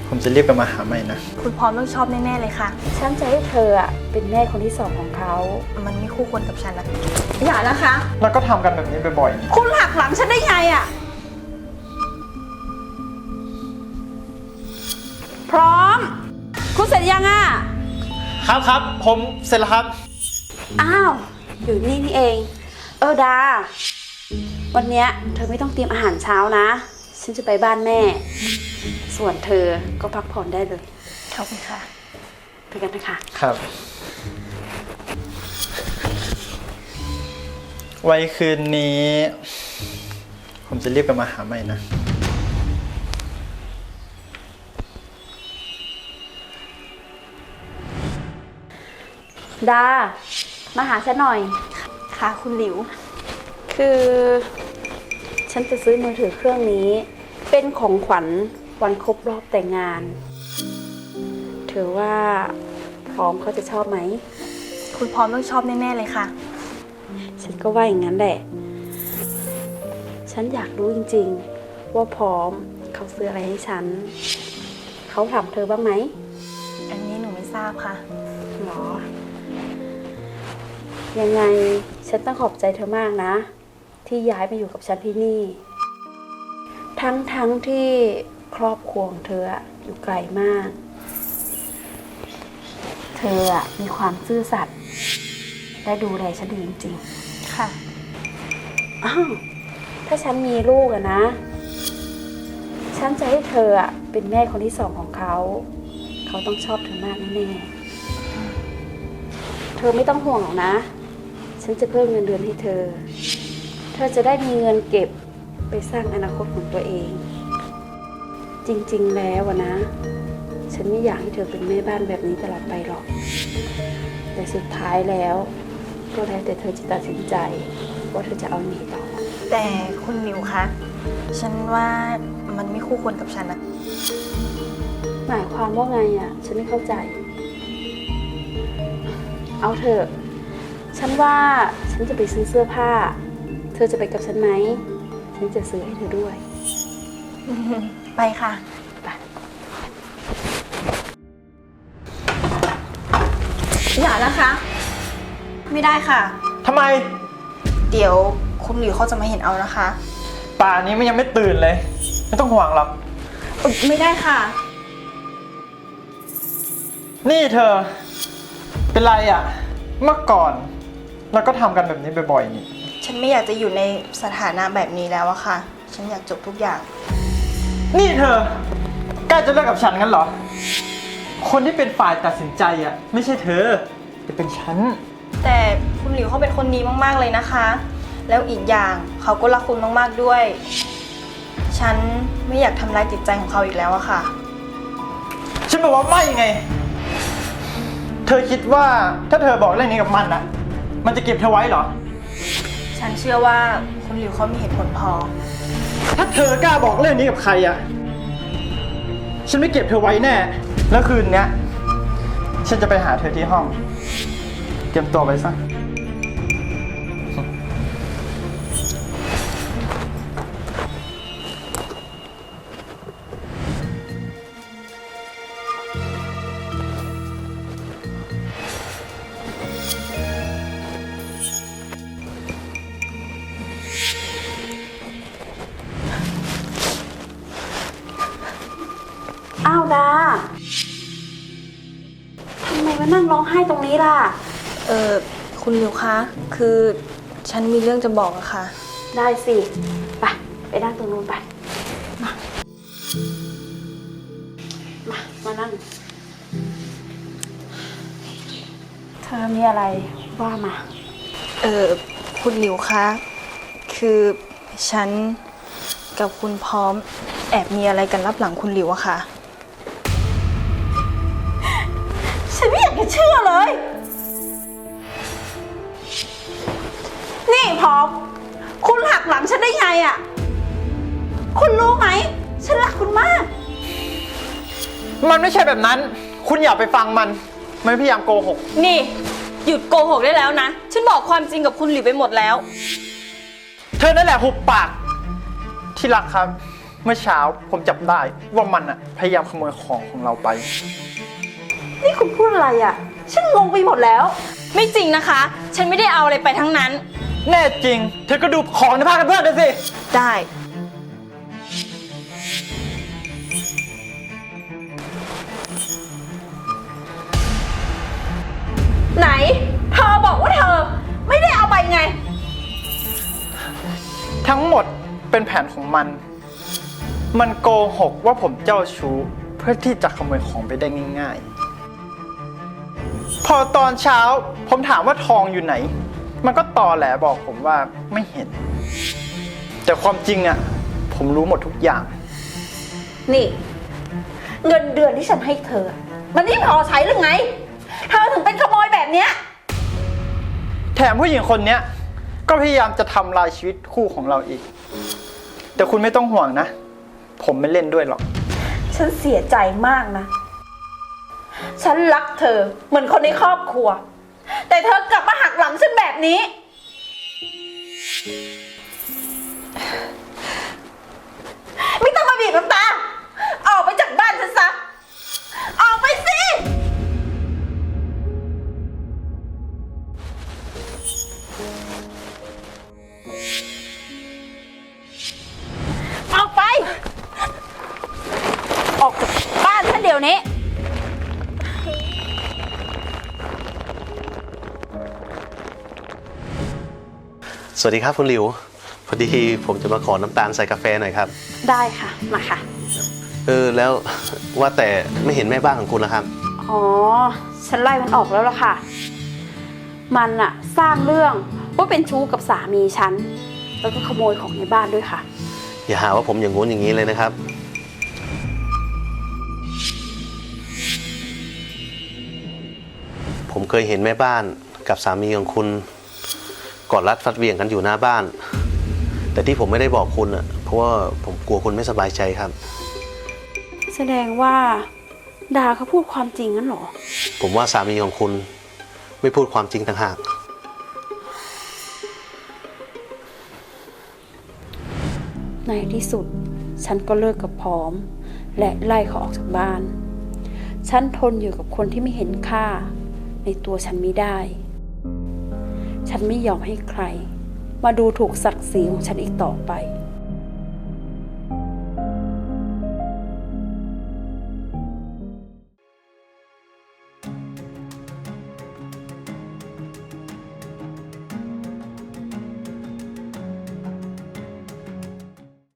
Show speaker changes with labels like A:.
A: ผมจะรีบกลับมาหาใหม่นะ
B: คุณพร้อมต้องชอบแน่ๆเลยค่ะ
C: ฉันจะให้เธอเป็นแม่คนที่สองของเขา
B: มันไม่คู่ควรกับฉันนะ
C: อย่านะคะ
A: แล้วก็ทำกันแบบนี้บ่อยๆ
C: คุณหักหลังฉันได้ไงพร้อม คุณเสร็จยัง
A: ครับผมเสร็จแล้วครับ
C: อ้าวอยู่นี่เองดาวันเนี้ยเธอไม่ต้องเตรียมอาหารเช้านะฉันจะไปบ้านแม่ส่วนเธอก็พักผ่อนได้เลย
B: ขอบคุณค่ะ
C: ไปกันนะคะ
A: ครับไว้คืนนี้ ผมจะรีบกลับมาหาใหม่นะ
C: ดามาหาฉันหน่อย
B: ค่ะคุณหลิว
C: คือฉันจะซื้อมือถือเครื่องนี้เป็นของขวัญวันครบรอบแต่งงานเธอว่าพร้อมเขาจะชอบไหม
B: คุณพร้อมต้องชอบแน่ๆเลยค่ะ
C: ฉันก็ว่าอย่างนั้นแหละฉันอยากรู้จริงๆว่าพร้อมเขาซื้ออะไรให้ฉันเขาถามเธอบ้างไหม
B: อันนี้หนูไม่ทราบค่ะ
C: หรอยังไงฉันต้องขอบใจเธอมากนะที่ย้ายมาอยู่กับฉันที่นี่ทั้งที่ครอบครัวของเธออยู่ไกลมากเธอมีความซื่อสัตย์และดูแลฉันดีจริง
B: ๆค่ะ
C: อ้าวถ้าฉันมีลูกนะฉันจะให้เธอเป็นแม่คนที่สองของเขาต้องชอบเธอมากแน่ๆเธอไม่ต้องห่วงหรอกนะฉันจะเพิ่มเงินเดือนให้เธอจะได้มีเงินเก็บไปสร้างอนาคตของตัวเองจริงๆแล้วนะฉันไม่อยากให้เธอเป็นแม่บ้านแบบนี้ตลอดไปหรอกแต่สุดท้ายแล้วก็แล้วแต่เธอจะตัดสินใจว่าเธอจะเอาหนีต่อ
B: แต่คุณหลิวคะฉันว่ามันไม่คู่ควรกับฉันนะ
C: หมายความว่าไงฉันไม่เข้าใจเอาเถอะฉันว่าฉันจะไปซื้อเสื้อผ้าเธอจะไปกับฉันไหมฉันจะซื้อให้เธอด้วย
B: ไปค่ะ
C: ไป
B: อย่านะคะไม่ได้ค่ะ
A: ทำไม
B: เดี๋ยวคุณหลิวเขาจะมาเห็นเอานะคะ
A: ป่านนี้มันยังไม่ตื่นเลยไม่ต้องห่วงหรอก
B: ไม่ได้ค่ะ
A: นี่เธอเป็นไรเมื่อก่อนเราก็ทำกันแบบนี้บ่อยๆนี่
B: ฉันไม่อยากจะอยู่ในสถานะแบบนี้แล้วอะค่ะฉันอยากจบทุกอย่าง
A: นี่เธอใกล้จะเลิกกับฉันงั้นเหรอคนที่เป็นฝ่ายตัดสินใจไม่ใช่เธอแต่เป็นฉัน
B: แต่คุณหลิวเขาเป็นคนดีมากๆเลยนะคะแล้วอีกอย่างเขาก็รักคุณมากๆด้วยฉันไม่อยากทำร้ายจิตใจของเขาอีกแล้วอะค่ะ
A: ฉันบอกว่าไม่ไงเธอคิดว่าถ้าเธอบอกเรื่องนี้กับมันจะเก็บเธอไว้เหรอ
B: ฉันเชื่อว่าคุณหลิวเขามีเหตุผลพอ
A: ถ้าเธอกล้าบอกเรื่องนี้กับใครฉันไม่เก็บเธอไว้แน่แล้วคืนนี้ฉันจะไปหาเธอที่ห้องเตรียมตัวไว้ซะ
C: อ้าวดาทำไมมานั่งร้องไห้ตรงนี้ล่ะ
B: คุณหลิวคะคือฉันมีเรื่องจะบอกอะค่ะ
C: ได้สิไปนั่งตรงนู้นไปมานั่งเธอมีอะไรว่ามา
B: คุณหลิวคะคือฉันกับคุณพร้อมแอบมีอะไรกันลับหลังคุณหลิวอะค่ะ
C: ฉันไม่อยากจะเชื่อเลยนี่พร้อมคุณหักหลังฉันได้ไงคุณรู้ไหมฉันรักคุณมาก
A: มันไม่ใช่แบบนั้นคุณอย่าไปฟังมันพยายามโกหก
B: นี่หยุดโกหกได้แล้วนะฉันบอกความจริงกับคุณหลิวไปหมดแล้ว
A: เธอนั่นแหละหุบปากที่รักครับเมื่อเช้าผมจับได้ว่ามันอะพยายามขโมยของเราไป
C: นี่คุณพูดอะไรอ่ะ ฉันงงไปหมดแล้ว
B: ไม่จริงนะคะ ฉันไม่ได้เอาอะไรไปทั้งนั้น
A: แน่จริง เธอก็ดูของในผ้ากันเปื้อนด้วยสิ
B: ได้
C: ไหน เธอบอกว่าเธอไม่ได้เอาไปไง
A: ทั้งหมดเป็นแผนของมัน มันโกหกว่าผมเจ้าชู้เพื่อที่จะขโมยของไปได้ง่ายๆ พอตอนเช้าผมถามว่าทองอยู่ไหน มันก็ตอแหลบอกผมว่าไม่เห็น แต่ความจริงอะผมรู้หมดทุกอย่าง
C: นี่ เงินเดือนที่ฉันให้เธอ มันไม่พอใช้หรือไง เธอถึงเป็นขโมยแบบเนี้ย
A: แถมผู้หญิงคนเนี้ยก็พยายามจะทำลายชีวิตคู่ของเราอีก แต่คุณไม่ต้องห่วงนะ ผมไม่เล่นด้วยหรอก
C: ฉันเสียใจมากนะ ฉันรักเธอเหมือนคนในครอบครัว แต่เธอกลับมาหักหลังฉันแบบนี้ ไม่ต้องมาบีบน้ำตา ออกไปจากบ้านฉันซะ ออกไปสิ ออกไป ออกจากบ้านฉันเดี๋ยวนี้
D: สวัสดีครับคุณหลิว พอดีผมจะมาขอน้ำตาลใส่กาแฟหน่อยครับ
C: ได้ค่ะ มาค่ะ
D: แล้วว่าแต่ไม่เห็นแม่บ้านของคุณนะครับ
C: อ๋อ ฉันไล่มันออกแล้วล่ะค่ะ มันอะสร้างเรื่องว่าเป็นชู้กับสามีฉัน แล้วก็ขโมยของในบ้านด้วยค่ะ
D: อย่าหาว่าผมอย่างงู้นอย่างนี้เลยนะครับ ผมเคยเห็นแม่บ้านกับสามีของคุณกอดรัดฟัดเหวี่ยงกันอยู่หน้าบ้าน แต่ที่ผมไม่ได้บอกคุณอะเพราะว่าผมกลัวคุณไม่สบายใจครับ
C: แสดงว่าดาเขาพูดความจริงงั้นเหรอ
D: ผมว่าสามีของคุณไม่พูดความจริงต่างหาก
C: ในที่สุด ฉันก็เลิกกับพร้อม และไล่เขาออกจากบ้าน ฉันทนอยู่กับคนที่ไม่เห็นค่าในตัวฉันไม่ได้ ฉันไม่ยอมให้ใคร มาดูถูกศักดิ์ศรีของฉันอีกต่อไป